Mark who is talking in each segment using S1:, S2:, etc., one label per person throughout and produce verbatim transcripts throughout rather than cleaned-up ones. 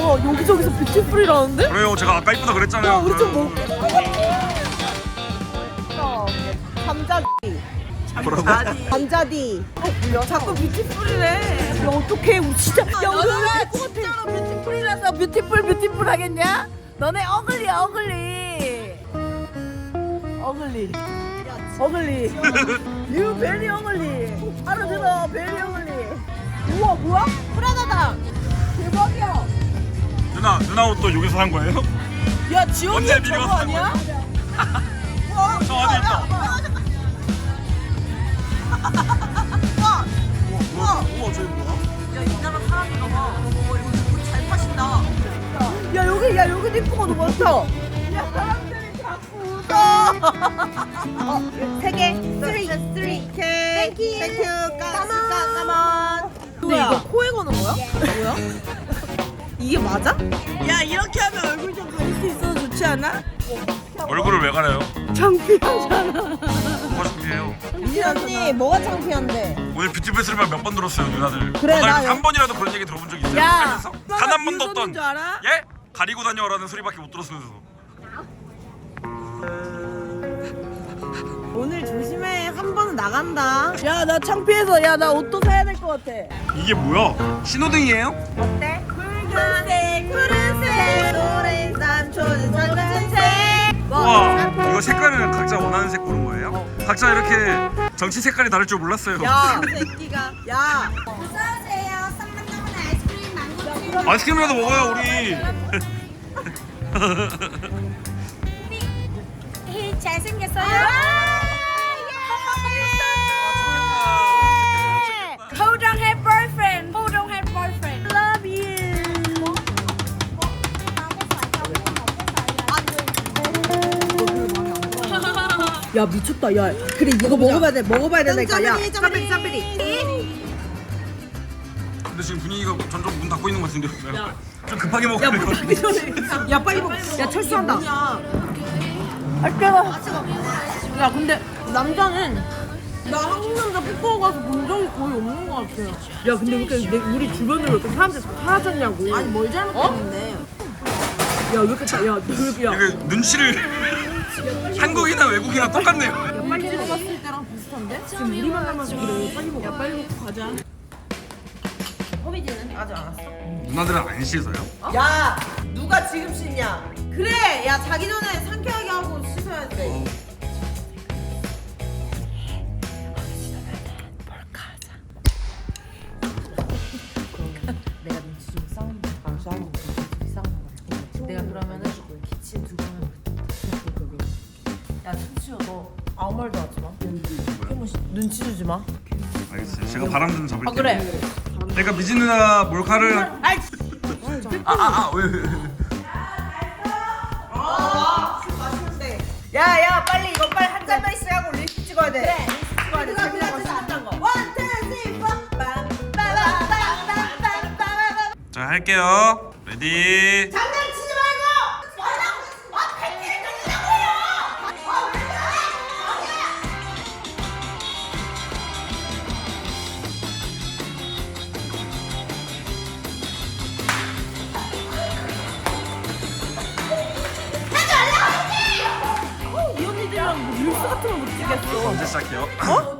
S1: 뭐야 여기저기서 뷰티풀이라는데?
S2: 그래요, 제가 아까 이쁘다 그랬잖아요.
S1: 야 우리 좀 뭐... 감자디
S2: 뭐라고?
S1: 감자디 자꾸 뷰티풀이래. 야 어떡해 우리 진짜. 야 우리
S3: 너네가 진짜로 뷰티풀이라서 뷰티풀 뷰티풀 하겠냐? 너네 어글리야 어글리.
S1: 어글리 어글리 유 베리 어글리. 알아들어 베리 어글리. 우와 뭐야? 프라다다. 대박이야.
S2: 누나, 누나 옷도 여기서 산 거예요?
S1: 야 지원이
S2: 언제
S1: 저거
S2: 미리가 산
S1: 아니야?
S2: 어, 저 안에 있다.
S1: 우와
S2: 우와, 우와, 저기 뭐야?
S3: 야 이나라 사람인가 봐. 어 이거 옷잘 파신다.
S1: 야 여기 야 여기 이쁜 거 너무 많다. 야 사람들이 자꾸 웃어. 어, 세 개. 쓰리 쓰리. 땡큐. 땡큐. 까만 까만. 근데 이거 코에 거는 거야? 뭐야? 이게 맞아? 야 이렇게 하면 얼굴 좀 가릴 수 있어서 좋지 않아?
S2: 얼굴을 왜 가려요?
S1: 창피하잖아.
S2: 뭐가 준비해요?
S1: 이 언니 뭐가 창피한데?
S2: 오늘 뷰티풀 소리만 몇 번 들었어요, 누나들.
S1: 그래, 나
S2: 한 번이라도 그런 얘기 들어본 적 있어요?
S1: 야,
S2: 살면서? 단 한 번도
S1: 줄
S2: 없던.
S1: 알아?
S2: 예? 가리고 다녀라는 소리밖에 못 들었으면서.
S1: 오늘 조심해. 한 번은 나간다. 야 나 창피해서 야 나 옷도 사야 될 것 같아.
S2: 이게 뭐야? 신호등이에요?
S1: 어때? 붉은색 푸른색 노란색 초록색.
S2: 와, 이거 색깔은 각자 원하는 색 고른 거예요? 각자 이렇게 정치 색깔이 다를 줄 몰랐어요.
S1: 야 새끼가 야.
S4: 어서오세요. 썸만나면 아이스크림 망고
S2: 아이스크림이라도 먹어요, 우리.
S4: 히 잘생겼어요. Who don't have boyfriend? Who don't have boyfriend?
S1: Love you. 야 미쳤다. 야 그래 이거 먹어봐야 돼. 먹어봐야 된다니까. 야 짜베리 짜베리.
S2: 근데 지금 분위기가 점점 문 닫고 있는 것 같은데. 좀 급하게 먹어야 될 것 같은데.
S1: 야 빨리 먹. 야 철수한다. 아 뜨거. 야 근데 남자는 나 한국 남자 뽀뽀 가서 본 적이 거의 없는 것 같아. 야 근데 왜 이렇게 내, 우리 주변으로 이렇게 사람들이 다 사라졌냐고. 아니 뭘 잘못했는데. 야 왜 이렇게 다- 야, 왜 이렇게 야.
S2: 이게 눈치를 한국이나 외국이나 똑같네요.
S1: 야 빨리 들어갔을 때랑 비슷한데? 지금 우리만 남아서 그래. 빨리 먹어. 야 빨리 먹고 가자. 허비지는 아직 안 왔어.
S2: 누나들은 안 씻어요?
S1: 야 누가 지금 씻냐? 그래 야 자기 전에 상쾌하게 하고 씻어야 돼.
S3: 내가 눈치 주고 싸우는 거. 아 싸우는 거. 둘이 싸우는 거. 내가 그러면은 기침 두 번. 야 천치야 너 아무 말도 하지 마. 태무 씨 눈치 주지 마.
S2: 알겠어요. 제가 바람 좀 잡을게요.
S3: 아 그래.
S2: 내가 미진 누나 몰카를.
S3: 아이.
S2: 아아아 왜? 왜, 왜.
S1: 야야 빨리 이거 빨리 한 잔만 있어야 하고 립스틱 찍어야 돼. 그래 립스틱 찍어야 돼. 자기랑 씻었던 거. 원, 투, 쓰리, 포. 빰빰빰빰빰빰빰빰.
S2: 자 할게요. 레디.
S4: 장난치지 말고. 뭐라고? 아 팬티를 돌리자고요. 아왜 그래?
S1: 이 언니들이랑 뭐 릴스 같은 거 못 찍겠어.
S2: 언제 시작해요? 어?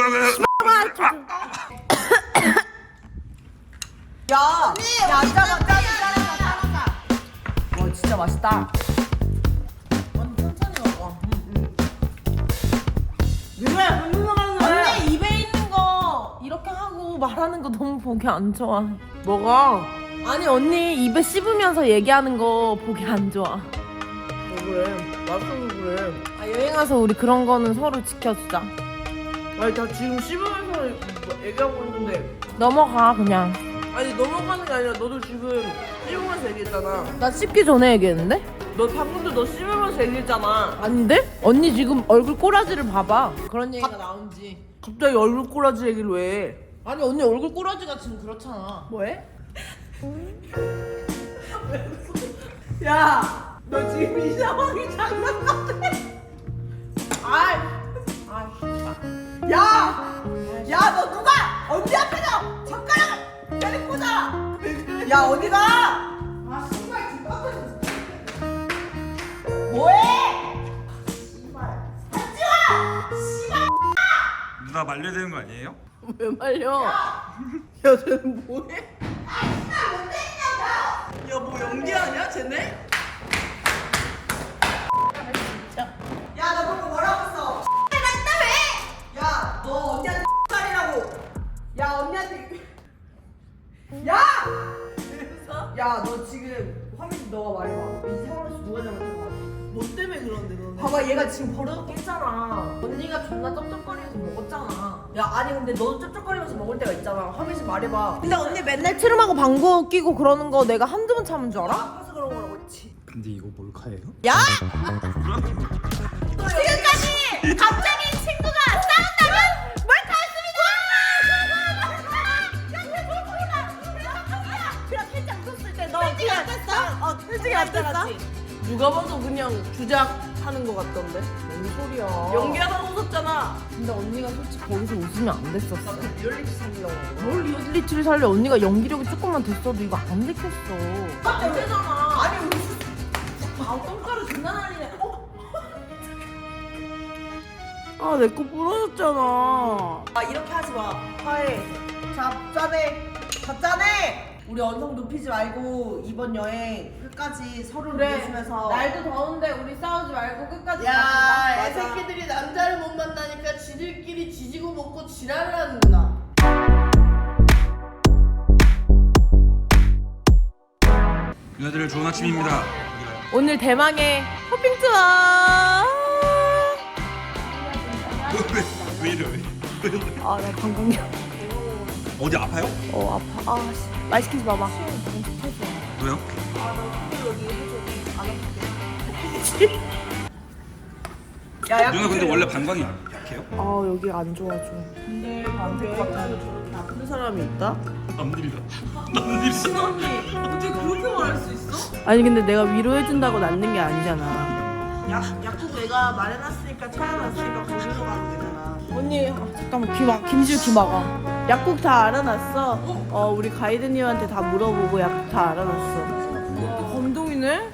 S1: 야, 야 앉아봐, 짜자, 짜자, 짜자.
S3: 와 진짜 맛있다.
S1: 왜? 언니 입에 있는 거 이렇게 하고 말하는 거 너무 보기 안 좋아. 뭐가? 아니 언니 입에 씹으면서 얘기하는 거 보기 안 좋아. 왜 그래? 맞춰서 그래. 아 여행 와서 우리 그런 거는 서로 지켜주자.
S5: 아니 나 지금 씹으면서 얘기하고 있는데
S1: 넘어가 그냥.
S5: 아니 넘어가는 게 아니라 너도 지금 씹으면서 얘기했잖아.
S1: 나 씹기 전에 얘기했는데?
S5: 너 방금도 너 씹으면서 얘기했잖아.
S1: 아닌데? 언니 지금 얼굴 꼬라지를 봐봐. 그런 얘기가 나온지.
S5: 갑자기 얼굴 꼬라지 얘기를 왜 해?
S1: 아니 언니 얼굴 꼬라지가 지금 그렇잖아.
S5: 뭐해? 야! 너 지금 이 상황이 장난 같아. 아이! 아이 야! 야 너 누가 언니 앞에서 젓가락을 때리고자! 야 어디가?
S2: 누나 말려야 되는 거 아니에요?
S5: 왜 말려? 야 쟤는 뭐해? 야 뭐 연기하냐 쟤네?
S1: 야, 너 방금 뭐라고 했어? 야, 너 언니한테 X살이라고. 야, 언니한테. 야! 야, 너 지금 화면이 너가 말해봐. 이 상황에서 누가 잘못한 거 같아?
S5: 뭐 때문에 그런데 너네?
S1: 봐봐, 얘가 지금 버릇없게 했잖아.
S3: 언니가 존나 쩝쩝거리면서 먹었잖아.
S1: 야, 아니 근데 너도 쩝쩝거리면서 먹을 때가 있잖아. 화면 좀 말해봐. 근데 언니 맨날 트름하고 방구 끼고 그러는 거 내가 한두 번 참은 줄 알아? 아파서 그런 거라고 했지.
S2: 근데 이거 몰카예요?
S1: 야! 지금까지 갑자기 친구가 싸운다면 몰카였습니다! 그럼 필장 웃었을 때 너 필장이 어땠어? 어, 필장이 어땠어?
S5: 누가 봐도 그냥 주작 하는 거 같던데?
S1: 뭔 소리야.
S5: 연기하다가 웃었잖아.
S1: 근데 언니가 솔직히 거기서 웃으면 안 됐었어.
S5: 리얼리티 살리려고.
S1: 뭘 리얼리티를 살려. 언니가 연기력이 조금만 됐어도 이거 안 됐겠어.
S5: 안 되잖아.
S1: 아니 웃
S5: 아 똥가루 존나 날리네. 어?
S1: 아, 내 거 부러졌잖아. 아, 이렇게 하지 마. 화해. 잡자네. 잡자네. 우리 언성 높이지 말고 이번 여행 끝까지 서로를 위해주면서.
S3: 날도 더운데 우리 싸우지 말고 끝까지
S5: 야,
S3: 가자.
S5: 애 새끼들이 남자를 못 만나니까 지들끼리 지지고 먹고 지랄을 하는구나.
S2: 누나들 좋은 아침입니다.
S1: 오늘 대망의 쇼핑 투어.
S2: 왜, 왜 이래 왜? 왜 이래?
S1: 아, 나 방광염.
S2: 어디 아파요?
S1: 어, 아파. 아, 씨. 말 시키지 마봐.
S2: 왜요?
S1: 야, 야.
S2: 누나 근데 원래 방광이 약해요?
S1: 아, 여기 안 좋아 좀.
S5: 근데 안될것 같아서 저렇게 나쁜 사람이 있다?
S2: 남들이다. 남들이
S5: 신언니 어떻게 그렇게 말할 수 있어?
S1: 아니 근데 내가 위로해준다고 낫는 게 아니잖아.
S5: 약, 약국 내가 마련했으니까 찾아놨으니까 거기로 가면 되잖아.
S1: 언니 아, 잠깐만 귀 막, 김지우 귀 막아.
S5: 약국 다 알아놨어. 어 우리 가이드님한테 다 물어보고 약국 다 알아놨어.
S1: 감동이네.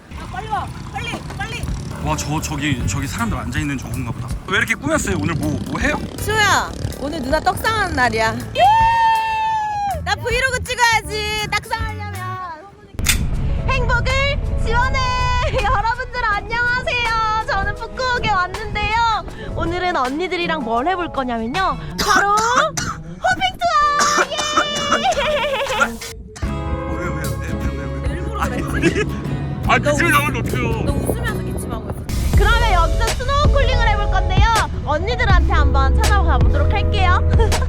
S2: 와, 저 저기 저기 사람들 앉아 있는 저건가 보다. 왜 이렇게 꾸몄어요? 오늘 뭐 뭐 해요?
S1: 수야, 오늘 누나 떡상하는 날이야. 나 브이로그 찍어야지. 떡상하려면 행복을 지원해. 여러분들 안녕하세요. 저는 푸꾸옥에 왔는데요. 오늘은 언니들이랑 뭘 해볼 거냐면요. 바로 호핑 투어. 예!
S2: 왜왜왜왜왜
S1: 일부러 그랬지.
S2: 아, 기침을 나오면 어떡해요?
S1: 너 웃으면서 기침하고 있어. 그러면 여기서 스노우쿨링을 해볼 건데요. 언니들한테 한번 찾아가 보도록 할게요. 됐다.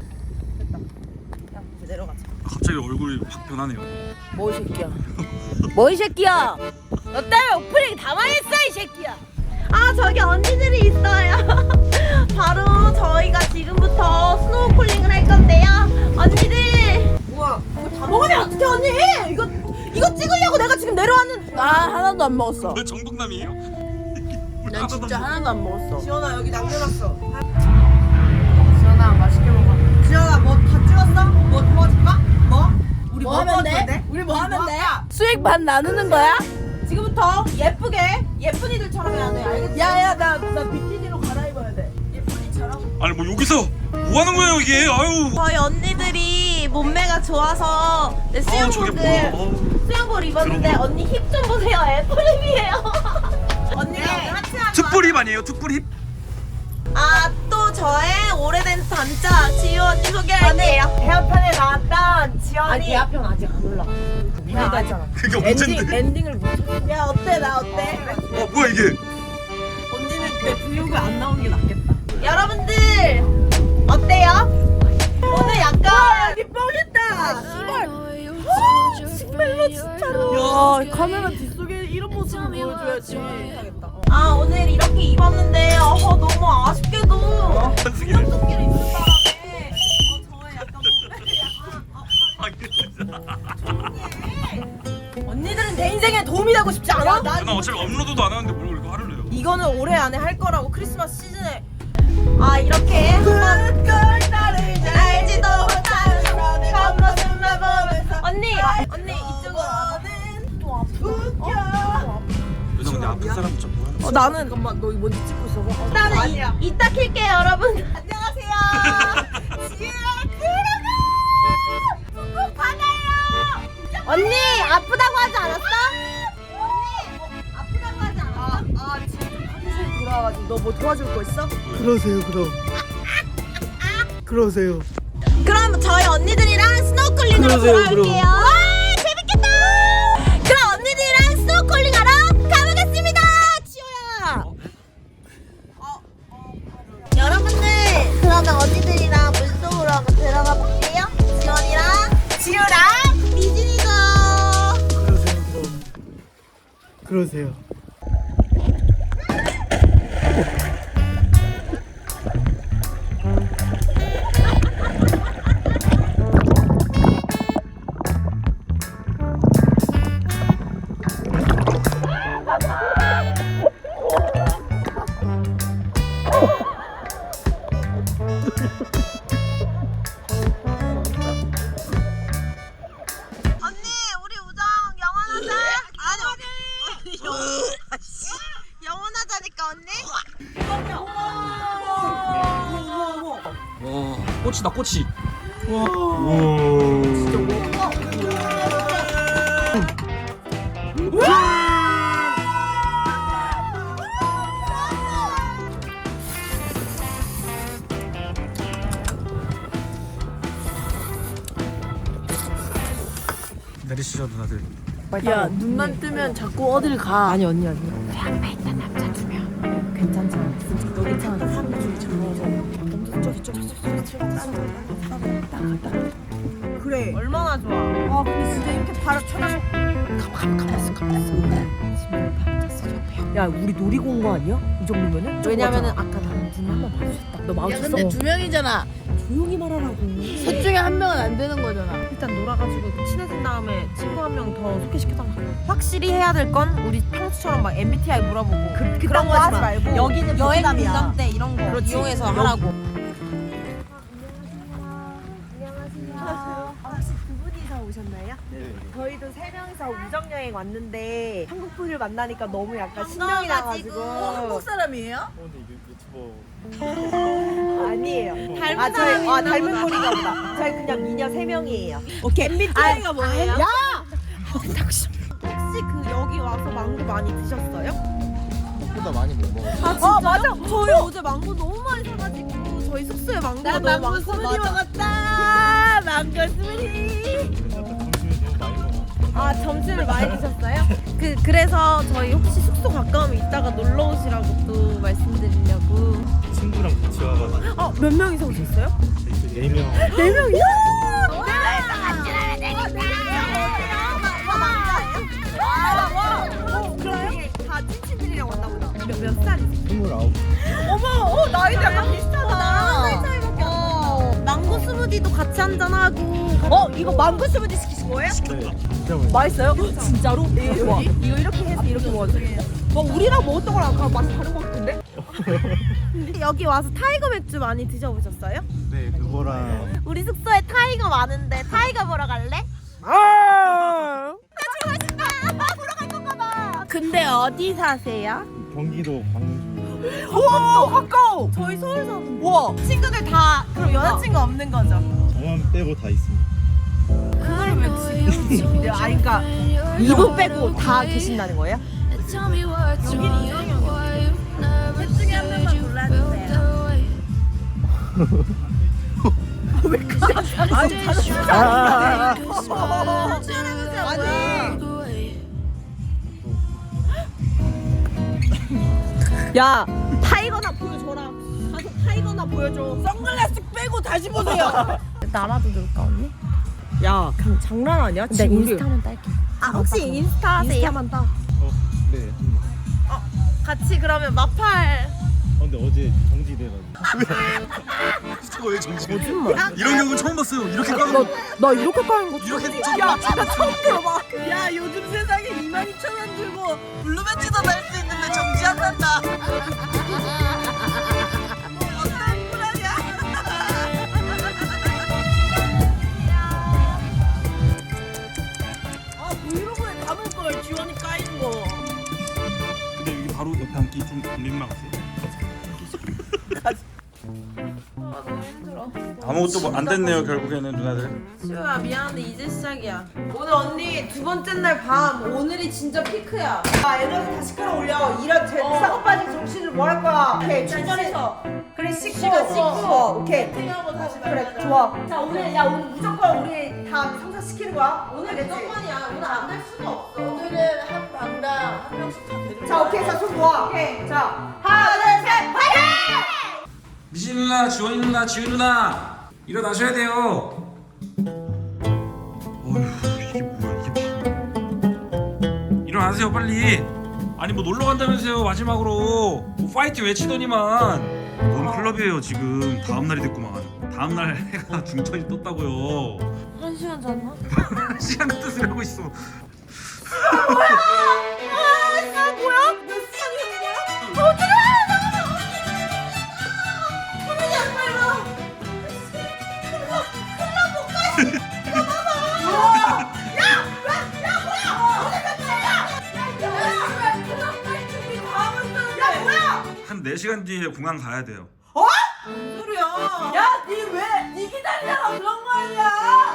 S1: 야, 이제 내려가자.
S2: 갑자기 얼굴이 확 변하네요.
S1: 뭐 이 새끼야? 뭐 이 새끼야? 너 때문에 오프닝 다 망했어 이 새끼야. 아, 저기 언니들이 있어요. 바로 저희가 지금부터 스노우쿨링을 할 건데요. 언니들. 우와, 이거 다 먹으면 어떡해 언니? 이거 이거 찍으려고 내가 지금 내려왔는.
S5: 나 하나도 안 먹었어.
S2: 왜 정동남이에요?
S5: 난 진짜 하나도 안 먹었어.
S1: 지연아 여기 남겨놨어.
S3: 지연아 맛있게 먹어.
S1: 지연아 뭐 다 찍었어? 뭐 도와줄까? 뭐? 우리
S5: 뭐 하면 돼? 우리 뭐 하면 돼? 수익 반 나누는 거야?
S1: 지금부터 예쁘게 예쁜이들처럼 해야 돼. 알겠지?
S5: 야야 나 나 비키니로 갈아입어야 돼.
S2: 아니 뭐 여기서 뭐 하는 거예요 이게? 아유.
S1: 저희 언니들이 몸매가 좋아서 네,
S2: 아, 저게
S1: 수영복을
S2: 뭐야? 어우.
S1: 수영복을 입었는데
S2: 들어봐.
S1: 언니 힙 좀 보세요. 애플힙이에요. 언니가
S5: 네.
S1: 오늘 하체한
S2: 특불힙 아니에요? 특불힙?
S1: 아또 저의 오래된 단짝 지효 언니 소개할게요.
S3: 대화편에 나왔던 지연이.
S1: 아니 대화편 아직 안 올라.
S3: 나 알잖아.
S2: 그게
S1: 엔딩
S2: 언젠데?
S1: 엔딩을 못 찾아.
S5: 야 어때 나 어때?
S2: 어 뭐야 이게?
S5: 언니는 내 브이로그 안 나오는 게 낫겠다.
S1: 여러분들 어때요? 오늘 약간
S5: 여기 뻥했다.
S1: 정말로 진짜로.
S5: 야 카메라 뒷속에 이런 모습을 보여줘야지.
S1: 아 오늘 이렇게 입었는데 어, 너무 아쉽게도
S2: 한승이네.
S1: 속끼리 있는 바람에 어, 저의 약간 몸매가
S2: 아,
S1: 언니들은 내 인생에 도움이 되고 싶지 않아?
S2: 나 어차피 업로드도 안 하는데 뭘 이거 화를 내요?
S1: 이거는 올해 안에 할 거라고 크리스마스 시즌에 아 이렇게 한번 알지도 못하는 겉모습만 보면서 언니 언니 이쪽으로 또 아프다.
S2: 누나 근데 아픈 사람 좀 뭐하는
S1: 어, 나는
S5: 잠깐만 너 먼저 찍고 있어봐.
S1: 일단은 이, 이따 킬게요 여러분. 안녕하세요. 지우야 들어가. 꼭 받아요. 언니 아프다고 하지 않았어? 언니 뭐 아프다고 하지 않았어? 아, 아 지금 화장실 돌아와가지고 너 뭐 도와줄 거 있어?
S6: 그러세요 그럼. 그러세요.
S1: 그럼 저희 언니들이랑 스노클링으로
S6: 그러세요,
S1: 돌아올게요.
S6: 그럼.
S1: 와 재밌겠다. 그럼 언니들이랑 스노클링하러 가보겠습니다. 지호야. 여러분들 그러면 언니들이랑 물속으로 한번 들어가 볼게요. 지원이랑 지우랑 미진이도.
S6: 그러세요 그럼. 그러세요.
S1: 언니 우리 우정 영원하자. 아니 영원하자니까 언니.
S2: 와 꽃이다 꽃이. 내리시죠 누나들.
S3: 야 눈만 뜨면 자꾸 어딜 가. 아니 언니 언니. 그 앞에 있던 남자 두 명. 괜찮잖아. 진짜 너 괜찮아. 사람 중에 잘나서 저기 저기 저기 저기 나가다.
S1: 그래 얼마나 좋아. 아 근데 진짜 이렇게 바로 쳐다보.
S3: 가만 가만 있어 가만 있어. 지금 밤잤어 옆에. 야 우리 노리고 온 거 아니야? 이 정도면은? 왜냐면은 아까 나는 눈 한번 마주쳤다. 너
S5: 야
S3: 마주쳤어?
S5: 근데 두 명이잖아.
S3: 조용히 말하라고.
S5: 셋 중에 한 명은 안 되는 거잖아.
S3: 일단 놀아가지고 친해진 다음에 친구 한 명 더 소개시켜달라. 확실히 해야 될 건 우리 평소처럼 막 엠비티아이 물어보고 그,
S1: 그런 거 하지 말고
S3: 여기는
S1: 여행
S3: 부담이야.
S1: 공감 때 이런 거
S3: 그렇지.
S1: 이용해서
S3: 여기.
S1: 하라고.
S3: 안녕하세요. 혹시 두 분이서 오셨나요? 네. 저희도 세 명이서 우정 여행 왔는데 한국 분을 만나니까 너무 약간 신명이 나가지고.
S5: 어, 한국 사람이에요?
S3: 아니에요.
S1: 닮은
S3: 아, 저희
S1: 사람이
S3: 아
S1: 있나
S3: 닮은
S1: 보다.
S3: 소리가 없다. 저희 그냥 미녀 세 명이에요.
S1: 오케이. 엠비티아이가 뭐예요?
S3: 야! 혹시 그 여기 와서 망고 많이 드셨어요?
S6: 생각보다 많이 못 먹어.
S3: 아 진짜요? 어, 맞아. 저희 어제 망고 너무 많이 사가지고 저희 숙소에 망고가
S5: 난
S3: 너무
S5: 망고
S3: 많고.
S5: 스무디 먹었다. 망고 스무디.
S3: 아 점심을 많이 드셨어요? 그 그래서 저희 혹시 숙소 가까우면 이따가 놀러 오시라고 또 말씀드리려고.
S6: 친구랑 같이 와가지고
S3: 어 몇 명이서 오셨어요?
S6: 네 명.
S3: 네 명이요? 다 찐친들이랑 왔나 보다. 몇, 몇 살이세요?
S6: 스물아홉.
S3: 어머, 어, 나이도 약간 비슷하다. 나랑 한 살 차이밖에 안 나. 망고 스무디도 같이 한잔하고. 어, 이거 망고 스무디 시키신 거예요?
S6: 네. 진짜 맛있어.
S3: 맛있어요? 진짜로? 네, 와, 이거 이렇게 해서 이렇게 먹어도 돼요? 어, 우리랑 먹었던 거랑 가- 맛이 다른 것 같은데? 여기 와서 타이거 맥주 많이 드셔보셨어요?
S6: 네 그거랑
S1: 우리 숙소에 타이거 많은데 타이거 보러 갈래?
S5: 근데 어디 사세요?
S6: 경기도 광주.
S3: 가까워, 가까워. 저희 서울 사는데. 와, 친구들 다 그럼 여자친구 없는 거죠?
S6: 저만 빼고 다 있습니다.
S3: 그걸 왜 지금? 네, 아니 그러니까 이분 빼고 다 계신다는 거예요?
S5: 여기는 이정형이요. 셋 중에 한 명만 골라주세요.
S3: 아니, 다들 진짜 아니. 야, 타이거나 보여줘라. 가서 타이거나 보여줘.
S5: 선글라스 빼고 다시 보세요.
S3: 나라도 넣을까 언니? 야, 그냥 장난 아니야?
S1: 나 인스타만 딸게.
S3: 아, 혹시 인스타 하세요? 인스타만 따.
S6: 어, 네. 음.
S3: 같이 그러면 마팔.
S6: 어, 근데 어제 정지돼가지고.
S2: 저거 왜 정지? 거짓말. 이런 경우 처음 봤어요. 이렇게 까는 거.
S3: 나 이렇게 까는 거
S2: 이렇게
S3: 야, 나 처음 들어봐.
S5: 야 요즘 세상에 이만 이천 원 들고 블루벤치도 살 수 있는데 정지한단다. 어떤 꿀하냐? 아 브이로그에 담을 걸 지원이 까이는 거.
S6: 근데 여기 바로 옆에 앉기 좀 민망하세요?
S3: 아, 너무
S2: 아무것도 뭐 안 됐네요 결국에는 누나들.
S3: 시우야 미안한데 이제 시작이야. 오늘 언니 두 번째 날 밤. 오늘이 진짜 피크야.
S1: 아 에너지 다시 끌어올려. 이런 제
S3: 어.
S1: 싸고 빠진 정신을 뭐 할 거야. 오케이 충전해서. 그래 씻고
S3: 시간 씻고.
S1: 어, 오케이.
S3: 팅하고 다시
S1: 그래
S3: 만나자.
S1: 좋아. 자 오늘 야 오늘 무조건 우리 다 성사시키는 거야.
S3: 오늘
S1: 알겠지?
S3: 무조건이야. 오늘 안 될 수가 없어. 오늘은 한 방당 한 명씩 다 데리고.
S1: 자 오케이 자 손 모아. 오케이 자 하나 둘셋 파이팅!
S2: 미신 누나, 지원이 누나, 지은 누나 일어나셔야 돼요. 어휴 이게 뭐야 이게 뭐야. 일어나세요 빨리. 아니 뭐 놀러 간다면서요 마지막으로 뭐 파이팅 외치더니만. 뭔 클럽이에요 지금. 다음 날이 됐구만. 다음 날 해가 중천이 떴다고요.
S3: 한 시간 잤나?
S2: 시간 같은 소리 하고 있어.
S1: 아 뭐야? 몇 시간이 된 거야? 어떡해! 선배님 안 말려. 클럽 클럽 못 가. 이거 봐봐. 야, 야, 야 뭐야? 오늘 몇 시야? 야, 야, 클럽 갈 준비 다 하고 있었는데. 야 뭐야?
S2: 한 네 시간 뒤에 공항 가야 돼요.
S3: 무슨 소리야?
S1: 야, 니 왜? 니 기다리다가 그런 거 아니야?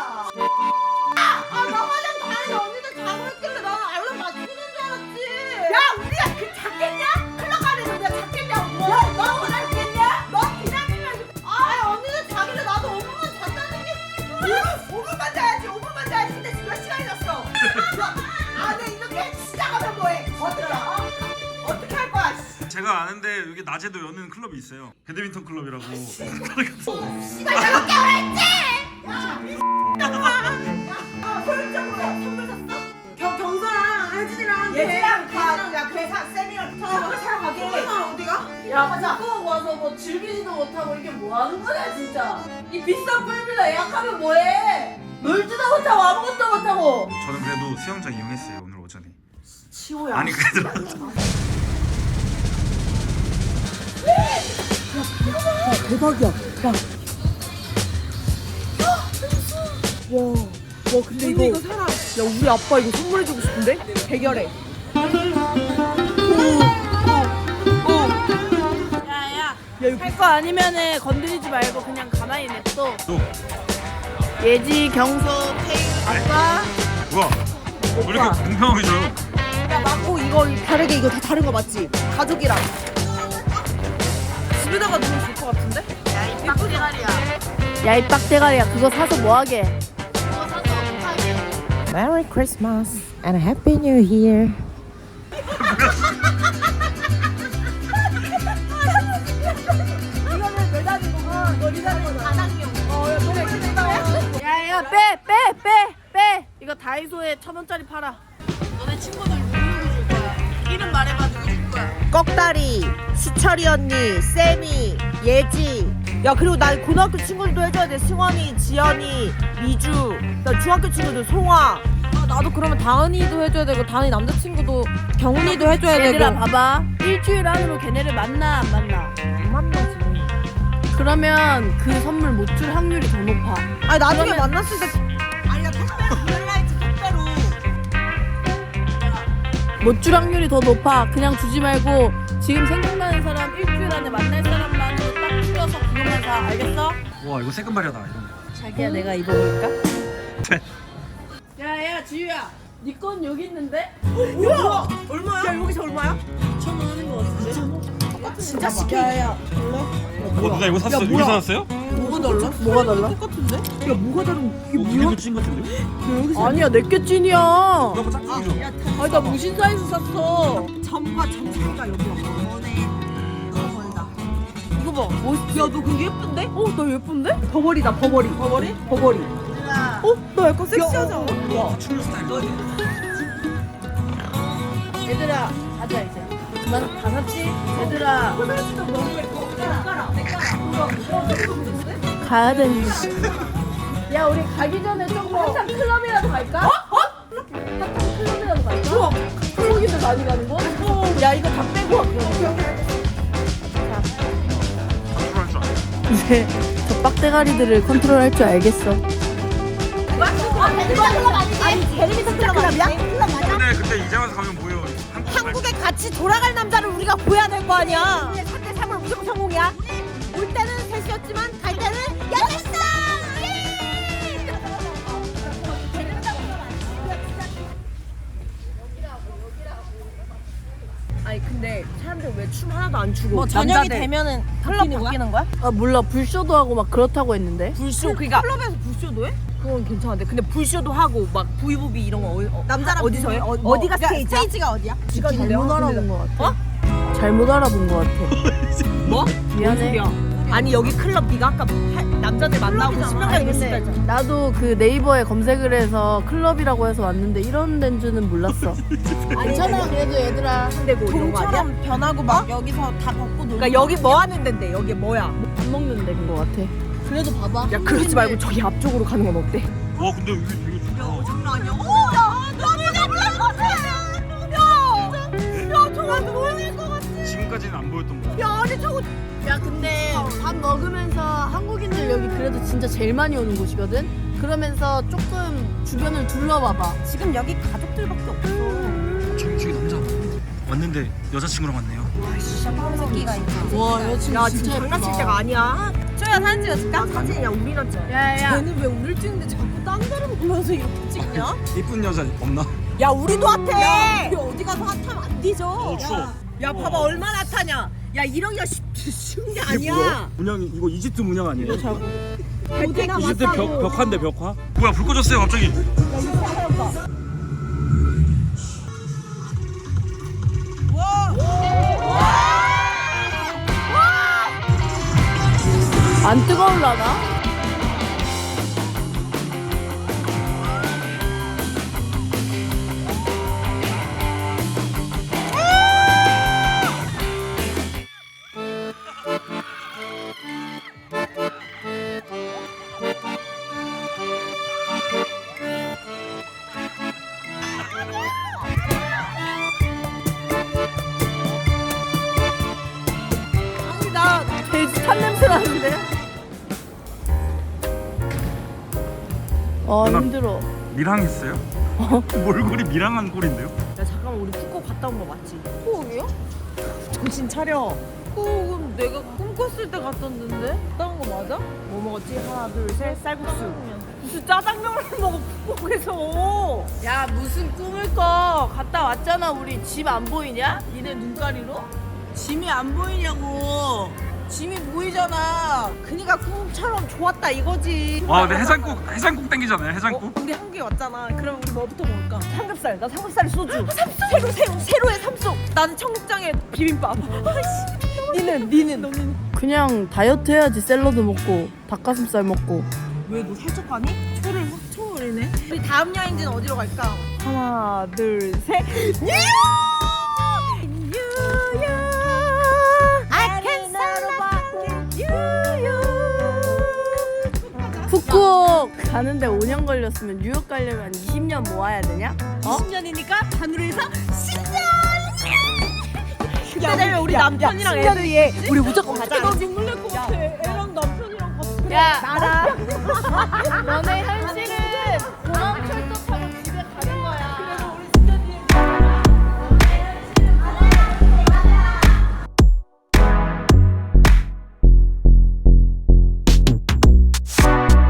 S1: 아, 나 화장 다 했는데 언니들 자고 있길래 나는 알람 맞추는 줄 알았지. 야, 우리가 그 잤겠냐? 클럽 가는데 우리가 잤겠냐고. 야, 너 원하겠냐? 너 기다리면. 아, 언니들 자길래 나도 오 분만 잤다는 게. 오 분만 자야지, 오 분만 자야지. 근데 지금 몇 시간이 졌어? 아, 네, 이렇게 시작하면 뭐해? 어떻게, 어? 어떻게 할 거야? 씨.
S2: 제가 아는데 여기 낮에도 여는 클럽이 있어요. 배드민턴 클럽이라고.
S1: 씨발, 내가 깨워랬지! 야, 이 아, 소율적으로 선물 샀어? 경, 경서랑 혜진이랑 예지랑 다, 야, 그래, 사, 쌤이랑 선물 사러 가게. 어디가?
S3: 야, 가자. 꼭 와서 뭐 즐기지도 못하고 이게 뭐 하는 거냐 진짜. 이 비싼 풀빌라 예약하면 뭐해? 놀지도 못하고 아무것도 못하고.
S2: 저는 그래도 수영장 이용했어요 오늘 오전에.
S3: 치호야.
S2: 아니 그래도
S1: 대박이야. 야. 와, 와 근데 이거, 이거 사라. 야 우리 아빠 이거 선물해주고 싶은데? 대결해.
S3: 야야. 할 거 아니면은 건드리지 말고 그냥 가만히 냅둬.
S2: 또
S3: 예지, 경서, 태희, 아빠.
S2: 우와 왜 이렇게 공평하게 줘요?
S1: 야 맞고 이거 다르게 이거 다 다른 거 맞지? 가족이랑.
S3: 집에다가 놓으면 좋을 것 같은데? 야, 이 빡대가리야. 야, 이 빡대가리야. 그거 사서 뭐 하게? 그거 사서 못하게.
S1: Merry Christmas and Happy New Year. 이거는 매달린 거고, 이거 리달린 거잖아. 바닥용. 어, 그래, 그래.
S3: 야, 야, 빼, 빼, 빼, 빼. 이거 다이소에 천 원짜리 팔아. 너네 친구들 누구 줄 거야? 이름 말해봐, 누구 줄 거야?
S1: 꺽다리, 수철이 언니, 쌤이, 예지. 야 그리고 나 고등학교 친구들도 해줘야 돼. 승원이, 지연이, 미주. 나 중학교 친구들 송아.
S3: 아, 나도 그러면 다은이도 해줘야 되고, 다은이 남자친구도 경훈이도 해줘야 되고. 얘들아, 봐봐. 일주일 안으로 걔네를 만나, 안 만나?
S1: 안 만나지.
S3: 그러면 그 선물 못 줄 확률이 더 높아.
S1: 아니 나중에
S3: 그러면-
S1: 만났을 때. 아니 나 택배로 보낼라 했지 택배로.
S3: 못 줄 확률이 더 높아. 그냥 주지 말고 지금 생각나는 사람 일주일 안에 만날 사람만으로 딱 추려서 그것만 사. 알겠어?
S2: 와 이거 새끈발이다 이런 거.
S3: 자기야, 내가 입어볼까? 야야 지유야, 네 건 여기 있는데?
S1: 우와 얼마야? 야 여기서 얼마야?
S3: 이천 원 하는 거 같은데?
S1: 진짜 시켜야.
S2: 어 누나 이거 샀어? 여기 샀어요?
S1: 뭐가 달라? 뭐가 달라? 똑같은데? 야 뭐가 다른? 이게
S2: 우리도 찐 같은데요?
S3: 아니야, 내게 찐이야.
S2: 이거 짝퉁이죠?
S3: 아니 나 무신 사이즈 샀어.
S1: 점과 점 차이가 여기야. 너네 버버리다.
S3: 이거 봐, 멋있지?
S1: 야너 그게 예쁜데?
S3: 어, 나 예쁜데?
S1: 버버리다 버버리. 버버리? 버버리. 어? 나 약간 섹시하지 않아?
S2: 와 춤 스타일
S3: 얘들아, 가자 이제. 그만 다 샀지? 얘들아. 가야 되는데. 야, 우리 가기 전에 조금 한참 클럽이라도 갈까? 어? 어? 한참 클럽이라도 갈까? 우와, 한국인들 많이 가는 거? 야, 이거 다 빼고 와. 이제 저 빡대가리들을 컨트롤할 줄 알겠어.
S1: 아니 배드민턴 클럽이야? 클럽 맞아?
S2: 근데 근데 이제 와서 가면 뭐예요? 한국
S1: 한국에 같이 돌아갈 남자를 우리가 구해야 될 거 아니야. 삼 대 삼은 무조건 성공이야. 올 때는 셋이었지만 갈 때는 여섯 근데 사람들 왜 춤 하나도 안 추고
S3: 뭐 저녁이
S1: 남자들
S3: 되면은
S1: 클럽
S3: 바뀌는
S1: 바뀌는 거야?
S3: 아 몰라 불쇼도 하고 막 그렇다고 했는데.
S1: 불쇼 그러니까
S5: 클럽에서 불쇼도 해?
S1: 그건 괜찮은데 근데 불쇼도 하고 막 브이브이 이런 거 어, 어,
S5: 남자랑
S1: 어디서 해? 어,
S5: 뭐,
S1: 어디가
S5: 그러니까
S1: 스테이지야?
S5: 스테이지가 어디야?
S3: 잘못 알아본 것 같아. 어? 잘못 알아본 것 같아.
S1: 뭐?
S3: 미안해.
S1: 뭔 소리야? 아니 여기 클럽 네가 아까 할- 남자들 만나고 신명까지
S3: 아니,
S1: 있을
S3: 근데
S1: 때 했잖아.
S3: 나도 그 네이버에 검색을 해서 클럽이라고 해서 왔는데 이런 데인 줄은 몰랐어. 괜찮아 그래도 얘들아.
S1: 근데고 이런 거 아니야?
S5: 동처럼 변하고 막 여기서 다 벗고 놀고.
S1: 그러니까 여기 뭐 하는 데인데 여기 뭐야?
S3: 밥 먹는 데인 것 같아. 그래도 봐봐.
S1: 야 그러지 말고 저기 앞쪽으로 가는 건 어때?
S2: 와 근데 여기 되게 좋다.
S5: 장난 아니야. 오, 야, 너무 놀랄 것 같아. 야, 야, 정말 놀랄 것 같아.
S2: 지금까지는 안 보였던 거.
S5: 야, 아니 저거
S3: 야 근데 밥 먹으면서 한국인들 여기 그래도 진짜 제일 많이 오는 곳이거든. 그러면서 조금 주변을 둘러봐봐.
S5: 지금 여기 가족들밖에 없어.
S2: 저기 저기 남자 왔는데 여자친구랑 왔네요.
S5: 새끼가 있어.
S3: 와 여친
S1: 야 지금 장난칠 때가 아니야.
S5: 초야 사진 찍어줄까?
S1: 사진이야 우리나 찍어.
S3: 야야.
S5: 쟤는 왜 우릴 찍는데 자꾸 딴 데를 보면서 이렇게 찍냐?
S2: 이쁜 여자 없나?
S1: 야 우리도 핫해.
S5: 우리 어디 가서 핫하면 안 뒤져.
S2: 어 추워.
S1: 야 봐봐 얼마나 핫하냐. 야 이러기가 쉽, 쉬운 게 아니야.
S2: 문양 이거 이집트 문양 아니에요?
S1: 어디나
S2: 이집트 벽 벽화인데 벽화? 뭐야 불 꺼졌어요 갑자기.
S3: 안 뜨거울라나? 아니 나 돼지 탄 냄새 나는데? 어
S2: 누나.
S3: 힘들어.
S2: 밀항했어요? 몰골이 밀항한 꼴인데요?
S1: 야 잠깐만 우리 푸코 갔다 온 거 맞지?
S5: 푸옥이요?
S1: 정신 차려.
S5: 푸옥은 내가 꿈꿨을 때 갔었는데? 갔다 온 거 맞아?
S1: 뭐 먹었지? 하나 둘 셋 쌀국수. 무슨 짜장면을 먹어 푸코에서.
S3: 야 무슨 꿈을 꿔. 갔다 왔잖아 우리. 집 안 보이냐? 니네 눈가리로? 짐이 안 보이냐고. 짐이 보이잖아.
S1: 그니까 꿈처럼 좋았다 이거지.
S2: 와 근데 해장국 해장국 땡기잖아요 해장국.
S1: 우리 한국에 왔잖아. 그럼 우리 뭐부터 먹을까? 삼겹살. 나 삼겹살에 소주. 새로 새우 새로의 삼속. 나는 청국장에 비빔밥. 아이씨. 니는 니는 너는
S3: 그냥 다이어트 해야지. 샐러드 먹고 닭가슴살 먹고.
S1: 왜 너 살쪘가니?
S5: 초를 확 쳐버리네. 우리 다음 여행지는 어디로 갈까?
S1: 하나 둘 셋.
S3: 북극 가는데 오 년 걸렸으면 뉴욕 가려면 이십 년 모아야 되냐? 어?
S1: 이십 년이니까 반으로 해서 십 년. 그때 되면 우리 남편이랑
S3: 십 년
S1: 애들
S3: 뒤에 우리 무조건 가자.
S5: 나 눈물 날 것 같아. 애랑 남편이랑 같이.
S3: 야 나랑 너네 할